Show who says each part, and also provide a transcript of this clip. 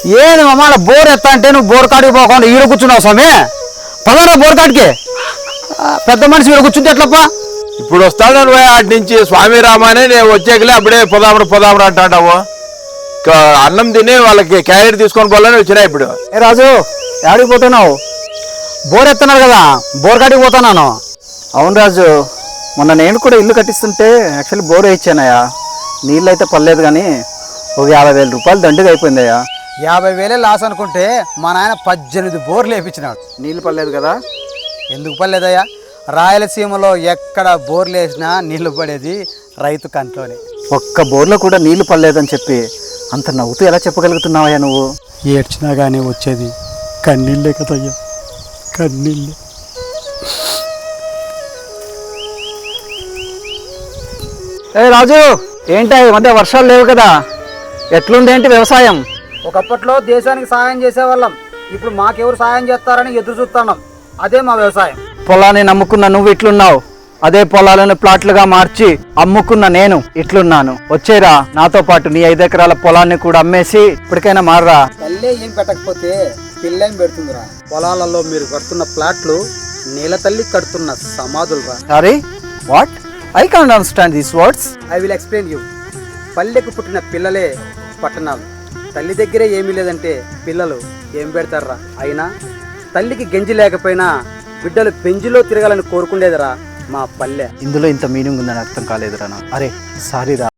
Speaker 1: ఏంది మామ బోర్ ఎత్తా అంటే నువ్వు బోర్ కాడికి పోకుండా ఈడ కూర్చున్నావు స్వామి. పదరా బోర్ కాడికి. పెద్ద మనిషి ఈడ కూర్చుంటే ఎట్లప్పా?
Speaker 2: ఇప్పుడు వస్తాడు నువ్వు అటు నుంచి స్వామి రామానే నేను వచ్చేకలే అప్పుడే పొదామరు అంటావు. అన్నం తిని వాళ్ళకి క్యారెట్ తీసుకొని పోవాలని వచ్చినా ఇప్పుడు.
Speaker 1: ఏ రాజు ఎక్కడికి పోతున్నావు? బోర్ ఎత్తున్నారు కదా, బోర్ కాడికి పోతున్నాను. అవును రాజు, మొన్న నేను కూడా ఇల్లు కట్టిస్తుంటే యాక్చువల్లీ బోర్ వేయించానయ్యా. నీళ్ళు అయితే పర్లేదు కానీ ఒక 50,000 రూపాయలు దండుగా అయిపోయిందయ్యా.
Speaker 3: 50,000 లాస్ అనుకుంటే మా నాయన 18 బోర్లు వేయించినాడు.
Speaker 1: నీళ్ళు పర్లేదు కదా?
Speaker 3: ఎందుకు పర్లేదయ్యా? రాయలసీమలో ఎక్కడ బోర్లు వేసినా నీళ్లు పడేది రైతు కంట్లోనే.
Speaker 1: ఒక్క బోర్లో కూడా నీళ్లు పర్లేదని చెప్పి అంత నవ్వుతూ ఎలా చెప్పగలుగుతున్నావయ్యా నువ్వు?
Speaker 3: ఏడ్చినా కానీ వచ్చేది కన్నీళ్ళే కదయ్యా, కన్నీళ్ళే.
Speaker 1: ఏ రాజు, ఏంటి ఈ మధ్య వర్షాలు లేవు కదా, ఎట్లుందేంటి వ్యవసాయం?
Speaker 3: ఒకప్పట్లో దేశానికి సహాయం చేసేవాళ్ళం, ఇప్పుడు మాకెవరు సహాయం చేస్తారని ఎదురు చూస్తున్నాం. అదే మా వ్యవసాయం.
Speaker 1: పొలాన్ని నమ్ముకున్న నువ్వు ఇట్లున్నావు, అదే పొలాలను ప్లాట్లుగా మార్చి అమ్ముకున్న నేను ఇట్లున్నాను. వచ్చేరా నాతో పాటు నీ 5 ఎకరాల పొలాన్ని కూడా అమ్మేసి ఇప్పటికైనా మారరా.
Speaker 3: తల్లే ఏం పెట్టకపోతే పిల్లేం పెడుతుందిరా. పొలాలలో మీరు కడుతున్న ప్లాట్లు నీళ్ళ తల్లి కడుతున్న సమాధులు రా.
Speaker 1: Sorry, what? I can't understand these words.
Speaker 3: I will explain you. పల్లెకు పుట్టిన పిల్లలే పట్టణాలు. తల్లి దగ్గరే ఏమీ లేదంటే పిల్లలు ఏం పెడతారా? అయినా తల్లికి గెంజి లేకపోయినా బిడ్డలు బెంజిలో తిరగాలని కోరుకుండేదిరా మా పల్లె.
Speaker 1: ఇందులో ఇంత మీనింగ్ ఉందని అర్థం కాలేదురా నాకు. అరే సారీ రా.